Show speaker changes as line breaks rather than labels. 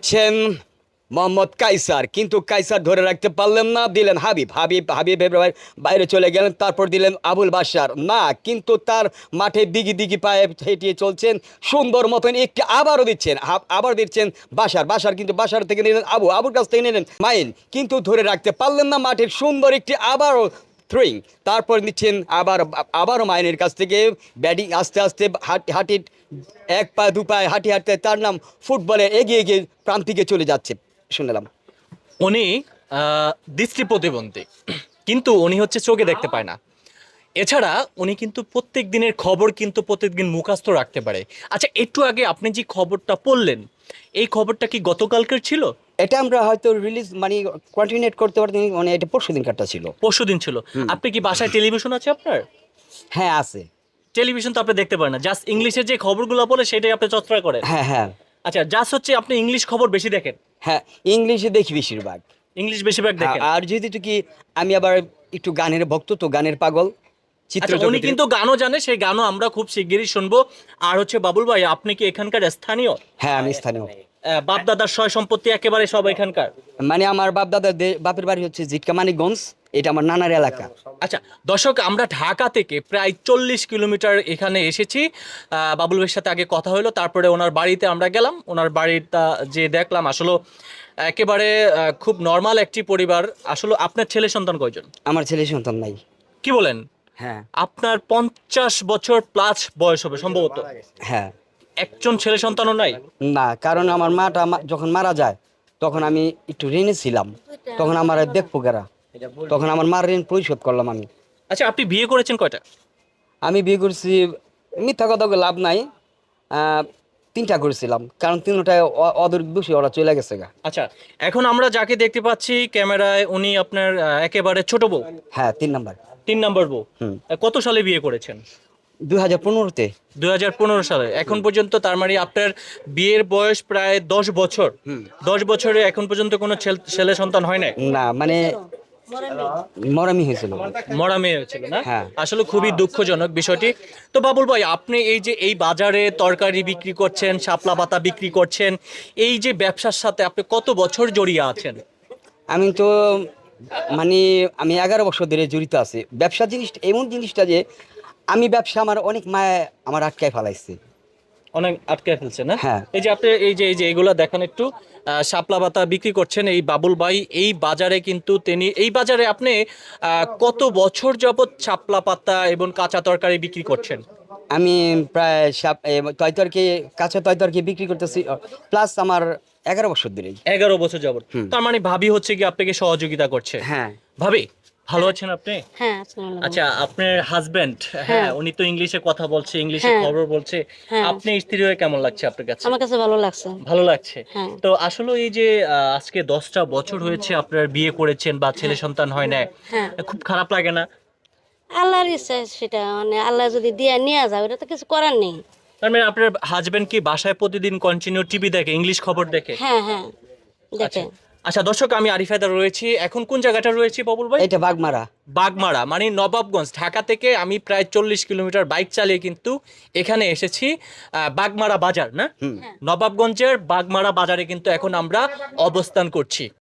দিচ্ছেন মোহাম্মদ কাইসার, কিন্তু কাইসার ধরে রাখতে পারলেন না, দিলেন হাবিবের বাইরে চলে গেলেন। তারপর দিলেন আবুল বাশার, না, কিন্তু তার মাঠে দিগি দিগি পায়ে হেঁটিয়ে চলছেন সুন্দর মতন। একটি আবারও দিচ্ছেন, আবার দিচ্ছেন বাশার, কিন্তু বাশার থেকে নিলেন আবুর কাছ থেকে নিলেন মাইন, কিন্তু ধরে রাখতে পারলেন না। মাঠের সুন্দর একটি আবারও থ্রোয়িং, তারপর নিচ্ছেন আবারও মাইনের কাছ থেকে ব্যাটিং, আস্তে আস্তে হাঁটি এক পা দু পায়ে হাঁটতে তার নাম ফুটবলে এগিয়ে গিয়ে প্রান্তিকে চলে যাচ্ছে শুনলাম।
উনি দৃষ্টি প্রতিবন্ধী, কিন্তু উনি হচ্ছে চোখে দেখতে পায় না। এছাড়া উনি কিন্তু প্রত্যেক দিনের খবর কিন্তু প্রত্যেকদিন মুখস্থ রাখতে পারে। আচ্ছা, একটু আগে আপনি যে খবরটা পড়লেন, এই খবরটা কি গতকালকের ছিল?
এটা আমরা হয়তো রিলিজ মানে কন্টিনিউট করতে পারতাম, মানে এটা পরশু দিন কাটটা ছিল।
পরশুদিন ছিল। আপনি কি বাসায় টেলিভিশন আছে আপনার?
হ্যাঁ আছে।
টেলিভিশন তো আপনি দেখতে পারেন না, জাস্ট ইংলিশের যে খবরগুলো বলে সেটাই আপনি চর্চা করেন।
হ্যাঁ হ্যাঁ
আচ্ছা, জাস্ট হচ্ছে আপনি ইংলিশ খবর বেশি দেখেন?
হ্যাঁ, ইংলিশে দেখি বেশিরভাগ।
ইংলিশ বেশিরভাগ
হ্যাঁ,
দেখেন?
আর যেহেতু কি আমি আবার একটু গানের ভক্ত, তো গানের পাগল, চিত্র
আচ্ছা, উনি
জগতের।
কিন্তু গানও জানে, সেই গানও আমরা খুব শিগগিরই শুনবো। আর হচ্ছে বাবুল ভাই, আপনি কি এখানকার স্থানীয়?
হ্যাঁ আমি স্থানীয়।
বাপ দাদার সয় সম্পত্তি একেবারে সব এখানকার?
মানে আমার বাপ দাদার বাপের বাড়ি হচ্ছে জিটকা মানিকগঞ্জ, এটা আমার নানার এলাকা।
আচ্ছা দর্শক, আমরা ঢাকা থেকে প্রায় 40 কিলোমিটার এখানে এসেছি। বাবুল ভাইয়ের সাথে আগে কথা হলো, তারপরে ওনার বাড়িতে আমরা গেলাম। ওনার বাড়িটা যে দেখলাম, আসলে একেবারে খুব নর্মাল একটি পরিবার। আসলে আপনার ছেলে সন্তান কয়জন?
আমার ছেলে সন্তান নাই।
কি বলেন?
হ্যাঁ
আপনার 50 বছর প্লাস বয়স হবে সম্ভবত,
হ্যাঁ।
একজন ছেলে সন্তানও নাই?
না, কারণ আমার মাটা যখন মারা যায় তখন আমি একটু ঋণে ছিলাম, তখন আমার দেখবো কারা, তখন আমার মার ঋণ পরিশোধ করলাম আমি।
আচ্ছা, আপনি বিয়ে করেছেন কয়টা?
আমি বিয়ে করছি, মিথ্যা কথা বলে লাভ নাই, তিনটা করেছিলাম, কারণ তিনটায় অদূর দোষী ওরা চলে গেছে গা।
আচ্ছা, এখন আমরা যাকে দেখতে পাচ্ছি ক্যামেরায়, উনি আপনার একেবারে ছোট বউ?
হ্যাঁ 3 নাম্বার।
3 নম্বর বউ।
হুম।
কত সালে বিয়ে করেছেন?
2015-তে।
2015 সালে। এখন পর্যন্ত তার মানে আপনার বিয়ের বয়স প্রায় 10 বছর। 10 বছরে এখন পর্যন্ত কোনো ছেলে সন্তান হয় নাই?
না মানে মরামি হয়েছিল।
মরা মেয়ে হয়েছিল না?
হ্যাঁ।
আসলে খুবই দুঃখজনক বিষয়টি। তো বাবুল ভাই, আপনি এই যে এই বাজারে তরকারি বিক্রি করছেন, শাপলা পাতা বিক্রি করছেন, এই যে ব্যবসার সাথে আপনি কত বছর জড়িয়ে আছেন?
আমি তো মানে আমি 11 বছর ধরে জড়িত আছি। ব্যবসা জিনিসটা এমন জিনিসটা যে আমি ব্যবসা আমার অনেক মায় আমার আটকায় ফেলাইছে।
অনেক আটকে ফেলছে না?
হ্যাঁ।
এই যে আপনি এই যে এগুলো দেখেন একটু, শাপলা পাতা বিক্রি করছেন এই বাবুল ভাই এই বাজারে, কিন্তু তিনি এই বাজারে আপনি কত বছর যাবত শাপলা পাতা এবং কাঁচা তরকারি বিক্রি করছেন?
আমি প্রায় তয়তরকি, কাঁচা তয়তরকি বিক্রি করতেছি প্লাস আমার 11 বছর ধরেই।
11 বছর যাবত। তার মানে ভাবি হচ্ছে কি আপনাকে সহযোগিতা করছে?
হ্যাঁ।
ভাবি ভালো আছেন আপনি?
হ্যাঁ আসসালামু আলাইকুম।
আচ্ছা, আপনার হাজবেন্ড, হ্যাঁ,
হ্যাঁ।
উনি তো ইংলিশে কথা বলছে, ইংলিশে
হ্যাঁ।
খবর বলছে।
হ্যাঁ।
আপনি স্ত্রী হয়ে কেমন লাগছে আপনার কাছে?
আমার কাছে ভালো লাগছে।
ভালো লাগছে।
হ্যাঁ।
তো আসলে এই যে আজকে 10টা বছর হয়েছে আপনার বিয়ে করেছেন বা ছেলে সন্তান হয় না,
হ্যাঁ।
খুব খারাপ লাগে না?
আল্লাহর ইচ্ছা সেটা, মানে আল্লাহ যদি দিয়ে নিয়ে যাও, এটা তো কিছু করার নেই।
তার মানে আপনার হাজবেন্ড কি বাসায় প্রতিদিন কন্টিনিউ টিভি দেখে, ইংলিশ খবর দেখে?
হ্যাঁ হ্যাঁ দেখে।
আচ্ছা আচ্ছা দর্শক, আমি আরিফ হায়দার রয়েছি। এখন কোন জায়গাটা রয়েছি বাবুল ভাই?
এটা বাগমারা।
বাগমারা মানে নবাবগঞ্জ। ঢাকা থেকে আমি প্রায় 40 কিলোমিটার বাইক চালিয়ে কিন্তু এখানে এসেছি। বাগমারা বাজার না? নবাবগঞ্জের বাগমারা বাজারে কিন্তু এখন আমরা অবস্থান করছি।